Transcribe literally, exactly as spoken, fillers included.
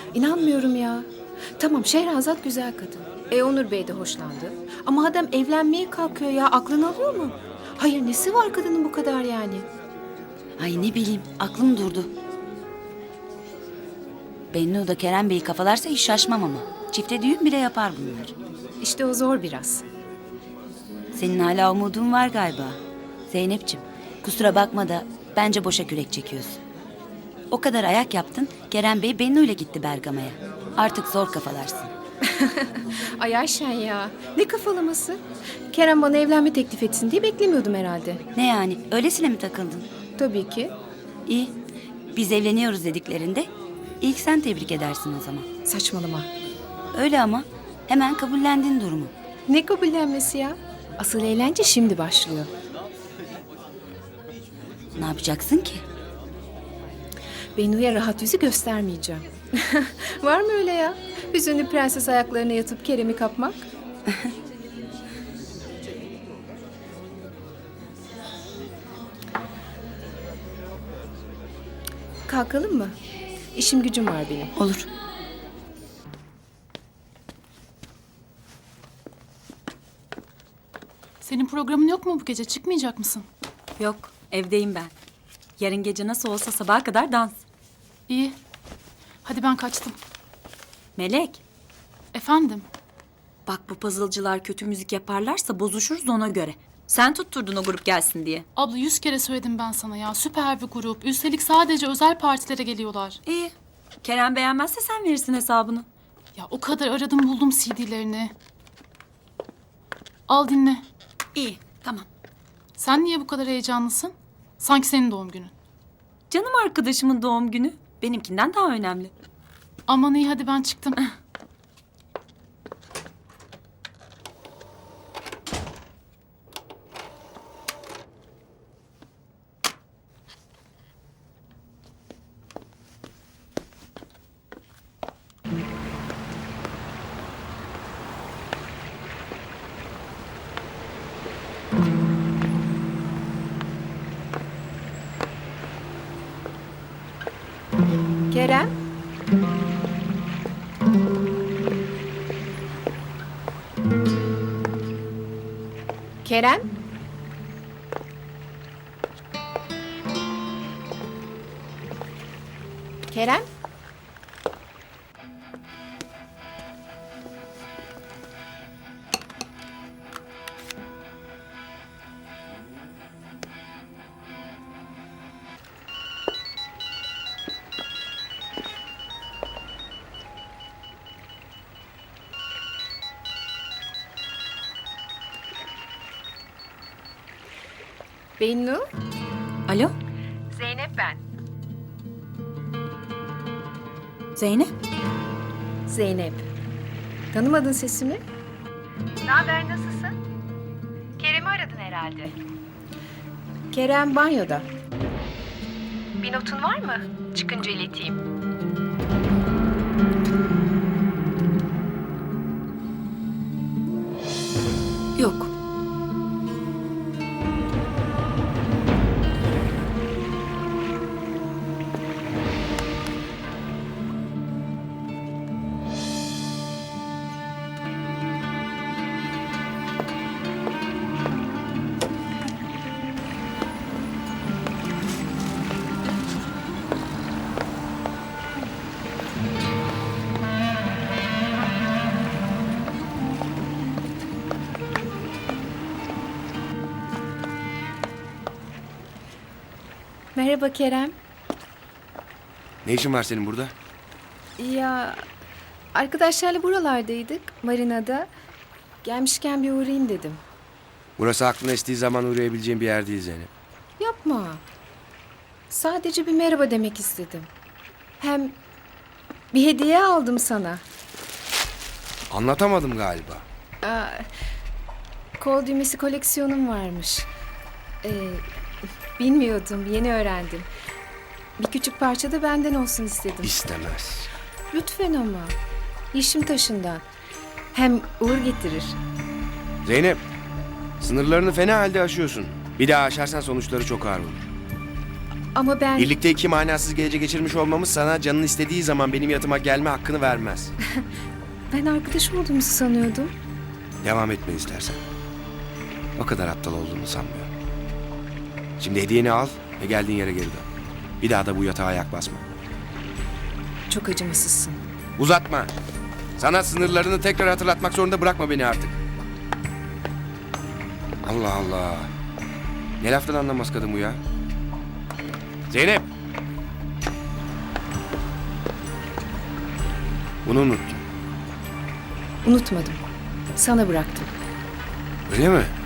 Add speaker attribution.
Speaker 1: İnanmıyorum ya. Tamam, Şehrazat güzel kadın. E Onur Bey de hoşlandı. Ama adam evlenmeye kalkıyor ya. Aklını alıyor mu? Hayır, nesi var kadının bu kadar yani?
Speaker 2: Ay ne bileyim, aklım durdu. Bennu da Kerem Bey'i kafalarsa hiç şaşmam ama. Çifte düğün bile yapar bunlar.
Speaker 1: İşte o zor biraz.
Speaker 2: Senin hala umudun var galiba. Zeynep'ciğim, kusura bakma da bence boşa kürek çekiyorsun. O kadar ayak yaptın, Kerem Bey Bennu ile gitti Bergama'ya. Artık zor kafalarsın.
Speaker 1: Ay Ayşen ya. Ne kafalaması? Kerem bana evlenme teklif etsin diye beklemiyordum herhalde.
Speaker 2: Ne yani, öylesine mi takıldın?
Speaker 1: Tabii ki.
Speaker 2: İyi, biz evleniyoruz dediklerinde ilk sen tebrik edersin o zaman.
Speaker 1: Saçmalama.
Speaker 2: Öyle ama hemen kabullendin durumu.
Speaker 1: Ne kabullenmesi ya? Asıl eğlence şimdi başlıyor.
Speaker 2: Ne yapacaksın ki?
Speaker 1: Bennu'ya rahat yüzü göstermeyeceğim. Var mı öyle ya? Hüzünlü prenses ayaklarına yatıp Kerem'i kapmak? Kalkalım mı? İşim gücüm var benim.
Speaker 2: Olur.
Speaker 3: Senin programın yok mu bu gece? Çıkmayacak mısın?
Speaker 4: Yok, evdeyim ben. Yarın gece nasıl olsa sabaha kadar dans.
Speaker 3: İyi. Hadi ben kaçtım.
Speaker 4: Melek,
Speaker 3: Efendim?
Speaker 4: bak bu puzzle'cılar kötü müzik yaparlarsa bozuşuruz ona göre. Sen tutturdun o grup gelsin diye.
Speaker 3: Abla yüz kere söyledim ben sana ya. Süper bir grup. Üstelik sadece özel partilere geliyorlar.
Speaker 4: İyi. Kerem beğenmezse sen verirsin hesabını.
Speaker 3: Ya o kadar aradım buldum C D'lerini. Al dinle.
Speaker 4: İyi, tamam.
Speaker 3: Sen niye bu kadar heyecanlısın? Sanki senin doğum günün.
Speaker 4: Canım arkadaşımın doğum günü benimkinden daha önemli.
Speaker 3: Aman iyi hadi ben çıktım.
Speaker 1: Kerem? Kerem? Kerem? Bennu?
Speaker 4: Alo,
Speaker 1: Zeynep ben.
Speaker 4: Zeynep.
Speaker 1: Zeynep. Tanımadın sesimi? Ne haber, nasılsın? Kerem'i aradın herhalde. Kerem banyoda. Bir notun var mı? Çıkınca ileteyim.
Speaker 4: Yok.
Speaker 1: Merhaba Kerem.
Speaker 5: Ne işin var senin burada?
Speaker 1: Ya arkadaşlarla buralardaydık, marinada. Gelmişken bir uğrayayım dedim.
Speaker 5: Burası aklına estiği zaman uğrayabileceğin bir yer değil Zeynep.
Speaker 1: Yapma. Sadece bir merhaba demek istedim. Hem bir hediye aldım sana.
Speaker 5: Anlatamadım galiba.
Speaker 1: Aa, kol düğmesi koleksiyonum varmış. Ee, bilmiyordum, yeni öğrendim. Bir küçük parça da benden olsun istedim.
Speaker 5: İstemez.
Speaker 1: Lütfen ama. Yeşim taşından. Hem uğur getirir.
Speaker 5: Zeynep, sınırlarını fena halde aşıyorsun. Bir daha aşarsan sonuçları çok ağır olur.
Speaker 1: Ama ben...
Speaker 5: Birlikte iki manasız gece geçirmiş olmamız sana canın istediği zaman benim yatıma gelme hakkını vermez.
Speaker 1: Ben arkadaş olduğumuzu sanıyordum.
Speaker 5: Devam etme istersen. O kadar aptal olduğunu sanmıyorum. Şimdi hediyeni al ve geldiğin yere geri dön. Bir daha da bu yatağa ayak basma.
Speaker 1: Çok acımasızsın.
Speaker 5: Uzatma. Sana sınırlarını tekrar hatırlatmak zorunda bırakma beni artık. Allah Allah. Ne laftan anlamaz kadın bu ya? Zeynep. Bunu unuttum.
Speaker 1: Unutmadım. Sana bıraktım.
Speaker 5: Öyle mi?